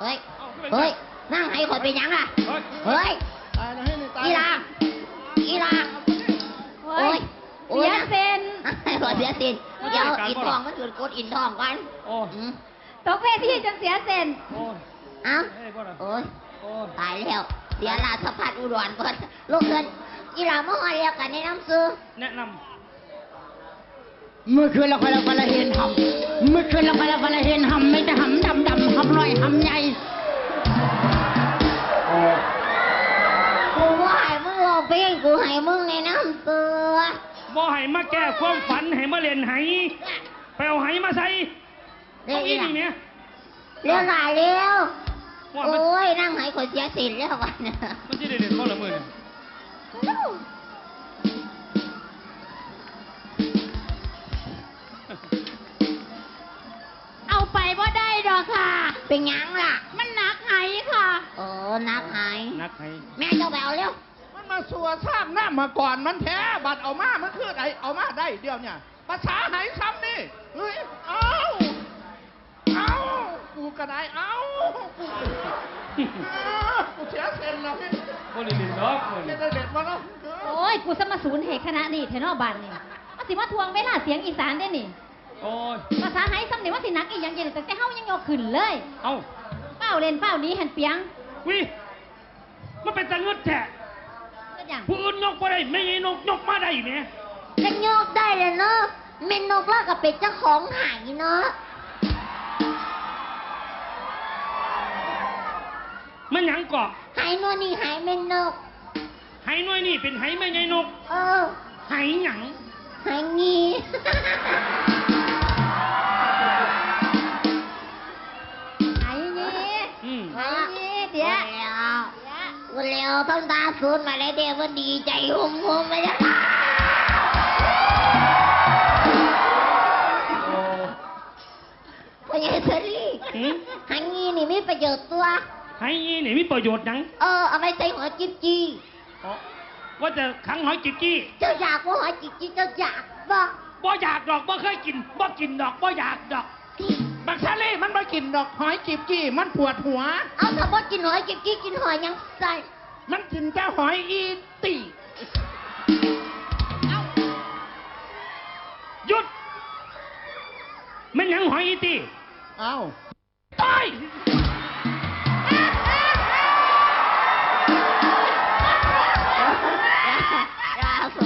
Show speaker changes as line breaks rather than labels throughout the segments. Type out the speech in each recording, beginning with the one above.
เฮ้ยเฮ้ยนั่งให้ข่อยเป็นยังล่ะเฮ้ยอีลาโอ้ยเสียเซนให้ข่อยเสียเซนเดี๋ยวอินทองมันถือกดอินทองกันตกเวทีจนเสียเซนเอ้าโอ้ยตายแล้วเสียราชพัฒอุดรก่อนลูกเกินอีลาเมื่อวานเรียกกันแนะนำซื้อ
แนะนำ
เมื่อคืนเราไปเห็นหำเมื่อคืนเราไปเห็นหำไม่จะหำดำหำลอยหำใหญ่
กูว่าให้มึงรอเพลงกูให้มึงแนะนำซื้อ
บ่ให้มาแก้ความฝันให้มาเล่นไหไปเอาไหมาใส่เอาอีนี่เนี่ย
เร็วหน่อยเร็วโอ้ยนั่งให้คนเสียสินแล้ววันนี้
มันจะเด่นเขาละมือเนี่ย
เอาไปว่าได้ดอกค่ะ
เป็นยังล่ะ
มันหนักไหค่ะ
นักไหแม่เจ้าไปเอาเร็ว
มันมาสัวสร้างหน้ามาก่อนมันแท้บัดเอามามันคือไอเอามาได้เดียวเนี่ยภาษาไหซ้ำนี่เฮ้ยเอากูกระไดเอากูเสียเซนแล้วพี่
โอ้ยลินล็อก
จะได้เด็ดมาแล้ว
โอ้ยกูสมศูนย์เหตุคณะนี่เทนอบันนี่มาสิมาทวงเวลาเสียงอีสานได้นี่
โอ้ย
ภาษาไหซ้ำนี่ว่าสินักอีกอย่างเย็นแต่เฮายังยกขึ้นเลย
เอ้า
เป้าเล่นเป้านี้หันเปียง
วิมันเป็นตะงึดแท้ผู้อื่นยกมาได้ไม่ใช่นกยกมาได้ไหม
จะยกได้เลยเนาะเมนนกแล้วก็เป็นเจ้าของหายเนาะ
มันหยังเกาะ
หายนวลนี่หายเมนนก
หายน้อยนี่เป็นหายไม่ใช่นกหายหยัง
หายงี้
หายงี้หายงี้เดี๋ยว
วันเร็วต้องตาสูนมาเลยเดี๋ยวมันดีใจหุ่มไปแล้วพ่อใหญ่เซรี่หางงี้นี่มีประโยชน์ตัว
หางงี้นี่มีประโยชน์ยัง
เอาไปใส่หัวจิ๊บจี้
ว่าจะขังหอยจิ๊บจี้
เจ้าอยากว่าหอยจิ๊บจี้เจ้าอยาก
บ่อยากดอกบ่เคยกินบ่กินดอกบ่อยากดอก
บักซาเล่มันไม่กินดอกหอยจิ๊บจี้มันปวดหัว
เอาถ้าบ่กินหอยจิ๊บจี้กินหอยยังใส่
มันกินแค่หอยอีตี
หยุดมันยังหอยอีตีตาย
ยาส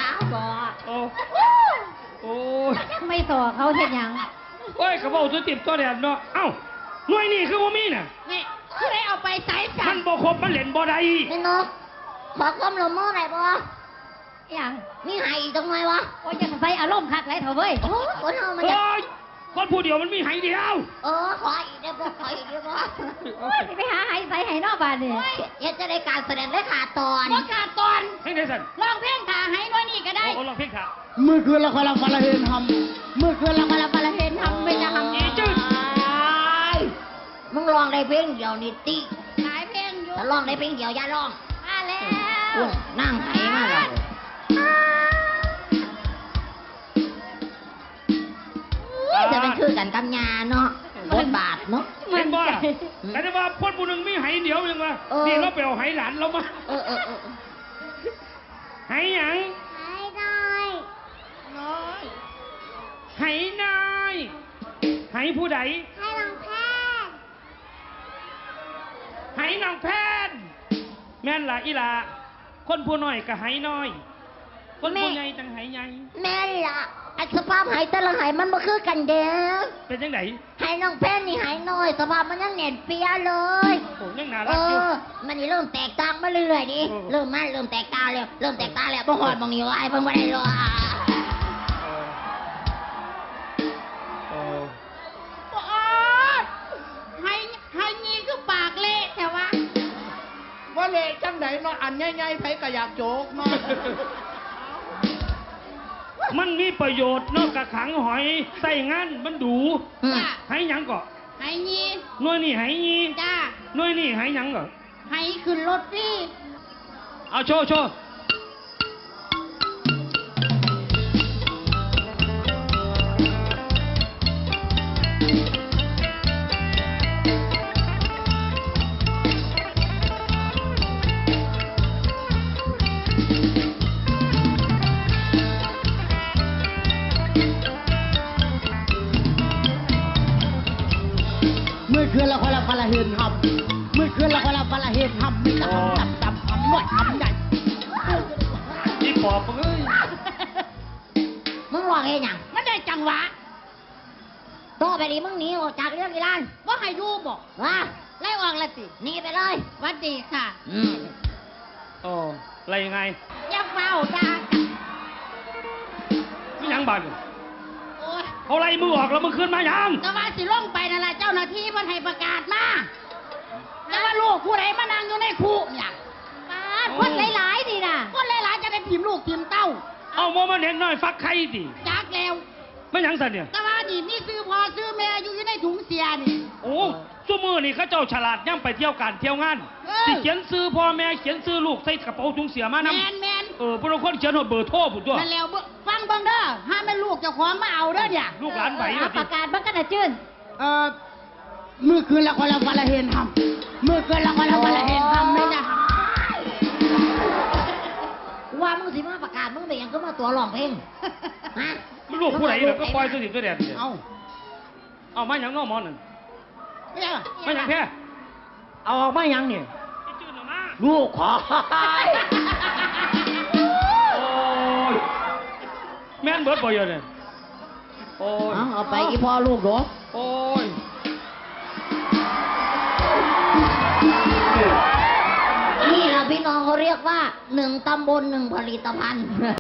โอ้ย
ไม่สอเขาเห็นยัง
โอ้ยกระเป๋าตัวติดตัวแดดเนาะเอ้าหน่วยนี่คือว่ามีน่ะ
นี่คือได้เอาไปใส่
สันบ่ครบมันเล่นบ่ได้
นี่นกขอความร่วมมือหน่อยบ่
อย่าง
มีหายอีกตรงไหนวะ
โอ้ยยังใส่อารมณ์คักไรเถอะเว้ย
คนเอามันจะ
คนผู้เดียวมันมีหายเดียว
ขออีกได้บ่ขออีกได้บ่
โอ้ยไปหาหายใส่หายนอกบ้านนี่
อยากจะได้การแสดงได้ขาดตอน
ขาดตอน
เพลงไหนสัน
ลองเพลงขาหายน้อยนี่ก็ได้
ลองเพลงขา
เมื่อคืนเราไปเห็นหำเมื่อคืนเราไปเห็นหำไม่จะหำ
จืด
มึงลองได้เพลงเดียวนี่ติ
หายเพลงอยู่
ถ้าลองได้เพลงเดียวอย่าลอง
มาแล้ว
นั่งไหมาแล้วจะเป็นคือกันกำยาเนาะบทบาทเนาะ
เห็นบ่แต่ว่าคนผู้หนึ่งมีไหเดียวยังวะนี่เราไปเอาไหหลานเรามาไหหยัง
ไหน้อย
ไหน้อยไหผู้ใด
ไหน้องแพน
ไหน้องแพนแม่นล่ะอีล่ะคนผู้น้อยกับไหน้อยคนผู้ใหญ่จังไหใหญ่
แม่ล่ะสภาพหายแต่ละหายมันบ่คือกันเด้อ
เป็นยังไง
หายน้องแพนนี่หายน้อยสภาพมันยังเน่นเปียเลย
โอ้ยังน่ารักอยู่
มันนี่เริ่มแตกต่างมาเรื่อยๆดิเริ่มแตกต่างแล้วบ่หอดบ่งอยู่ไอ้เพิ่งบ่ได้เลย
ให้งี้คือปากเละแต่ว่า
เละจังไหนเนาะอันใหญ่ๆไผก็อยากโจกเนาะ
มันมีประโยชน์นอกจากขังหอยใส่งั้นมันดูให้ยังก่อ
ให้ยี่
น้อยนี่ให้ยี่
จ้า
น้อยนี่ให้ยังก่อ
ให้ขึ้นรถสิ
เอาโชว์
อคืนละคนละคนละเห็นหำเมื่อคืนละคนละคนละเห็นหำไม่จะหำดำหำหน่อยหำใหญ่
อีปอบเอ้ย
มึงร้องเองยัง
มันได้จังหวะ
ต่อไปนี้มึงหนีออกจากเรื่องอีหลาน
ว่าให้อยู่บอก
ว่า
ไล่ออกละสิ
หนีไปเลย
หวัดดีค่ะ
โอ้อะไรยังไง
อย่าเฝ้าด่ากัน
ไม่ยังบัง
โอ้ย
เขาไล่มือออกแล้วมึงขึ้นมายัง
ก็ว่าสิลงไปนั่นแหละเจ้าหน้าที่มันให้ประกาศมาแต่ว่าลูกผู้ใดมานั่งอยู่ในคุกเนี่ย
ป้าดคนหลายๆดีน่ะ
คนหลายๆจะได้พิมพ์ลูกพิมพ์เต้า
เอาโมมาเด็กน้อยฟักไข่ดิ
จากแล้ว
ไม่ยังสันเนี่ย
แต่ว่านี่มีซื้อพอซื้อแม่อยู่ในถุงเสียนี่
โอ้ชั่วมือนี่เขาเจ้าฉลาดย่ำไปเที่ยวการเที่ยวงาน
เออ
สิเขียนซื้อพ่อแม่เขียนซื้อลูกใส่กระเป๋าถุงเสียมา
แม
นำ
นแมน
พวกเราคนเขียนหัวเบอร์โทรผู้ตัว
นั่นแล้วฟังเบิ่งเด้อห้ามแม่ลูกเจ้าของมาเอาเด้อเนี่ย
ลูกหลานไหว
เอา
แบบ
ป
นี้
ระกาศบังกันนะจื้น
เมื่อคืนละคนละคนละเห็นหำเมื่อคืนละคนละคนละเห็นหำไม่จะ
ว่ามึงสิมาประกาศมึงเป็นหยังก็มาตัวร้องเพลงฮะ
มันลูกผู้ใดเนี่ยก็ปล่อยตัวสิตัวแดดเนี่ย
เอา
เอามาอย่างน้อหมอนั่น
ไม่ใช่
มาอย่างแค่
เอาออกมายังเนี่ย
ไอ้จืดออกมา
ลูกขอ
โอ้ยแม่นเบิดบ่อยเนี่ยโอ้ย
เอาไปอีพ่อลูกเหรอ
โอ้ย
นี่แหละพี่น้องเขาเรียกว่า1 ตำบล 1 ผลิตภัณฑ์